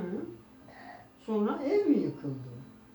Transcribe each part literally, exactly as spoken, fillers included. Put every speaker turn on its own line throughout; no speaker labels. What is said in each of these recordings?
Sonra ev mi yıkıldı?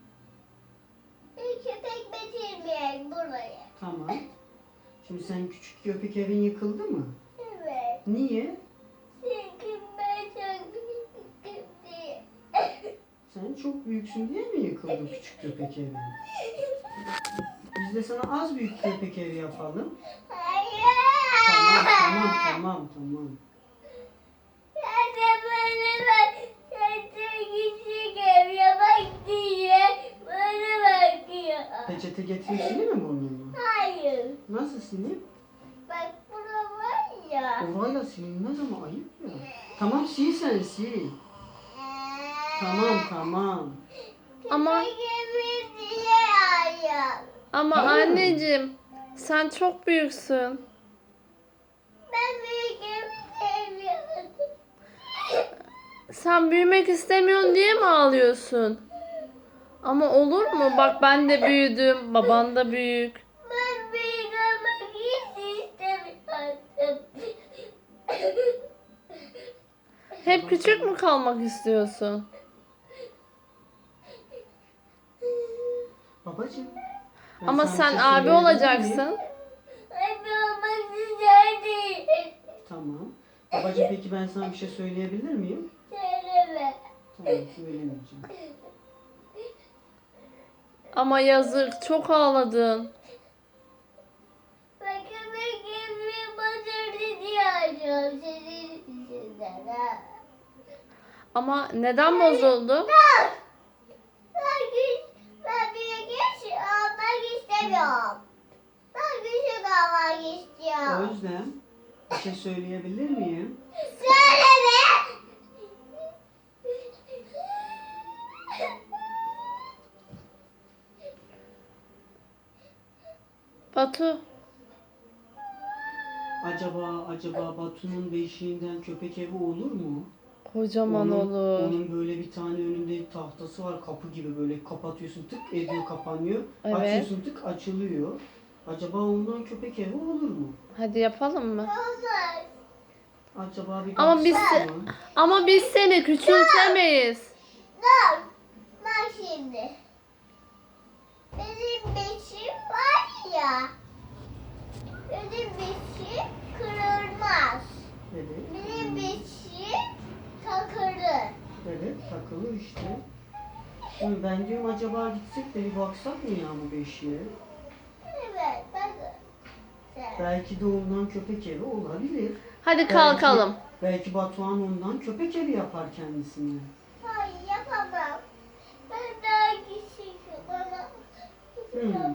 Köpek getirmeyek buraya.
Tamam. Şimdi sen küçük köpek evin yıkıldı mı?
Evet.
Niye?
Çünkü ben çok büyüktüm diye.
Sen çok büyüksün diye mi yıkıldı küçük köpek evi? Biz de sana az büyük köpek evi yapalım.
Hayır.
Tamam, tamam, tamam, tamam.
Sen de böyle ben sen küçük ev yapak diye bana bakıyor.
Peçete getirip sileyim mi burnunu?
Hayır.
Nasıl sileyim?
Bak bura var ya.
Orayla silinmez ama ayıp ya. Tamam sil sen sil. Tamam, tamam.
Ama
Köpek evi diye ayağım.
ama
Ha.
anneciğim sen çok büyüksün.
Ben büyük evi sevmiyorum.
Sen büyümek istemiyorsun diye mi ağlıyorsun? Ama olur mu? Bak ben de büyüdüm. Baban da büyük.
Ben büyük olmak hiç istemiyorum.
Hep küçük mü kalmak istiyorsun?
Babacığım. ben
Ama
sana bir
sen
şey
abi
söyleyebilir miyim?
olacaksın.
Ben olmak isterdim.
Tamam. Babacığım peki ben sana bir şey söyleyebilir miyim?
Söyleme.
Tamam söylemeyeceğim.
Ama yazık çok ağladın.
Ben köpek evi batırdı diye acıyorum senin yüzünden ha.
Ama neden bozuldu?
Ben, ben, küç- ben büyük iş olmak istemiyorum. Ben küçük olmak istiyorum.
Özlem bir şey söyleyebilir miyim?
Söyleme.
Batu.
Acaba acaba Batu'nun beşiğinden köpek evi olur mu?
Kocaman
onun,
olur.
Onun böyle bir tane önünde tahtası var kapı gibi böyle kapatıyorsun tık ediyor kapanıyor.
Evet.
Açıyorsun tık açılıyor. Acaba ondan köpek evi olur mu?
Hadi yapalım mı?
Olmaz.
Acaba bir
Ama biz
baksana mı?
ama biz seni küçültemeyiz.
Dur. Bak şimdi. Benim beşim var ya. Benim beşim kırılmaz.
Evet.
Benim beşim takılır.
Evet takılı işte. Şimdi ben diyorum acaba gitsek de bir baksak mı ya bu beşiğe?
Evet bakın. Sen.
Belki de ondan köpek evi olabilir.
Hadi kalkalım.
Belki, belki Batuhan ondan köpek evi yapar kendisine.
Hayır yapamam. Ben daha küçüküm bana.
Hmm.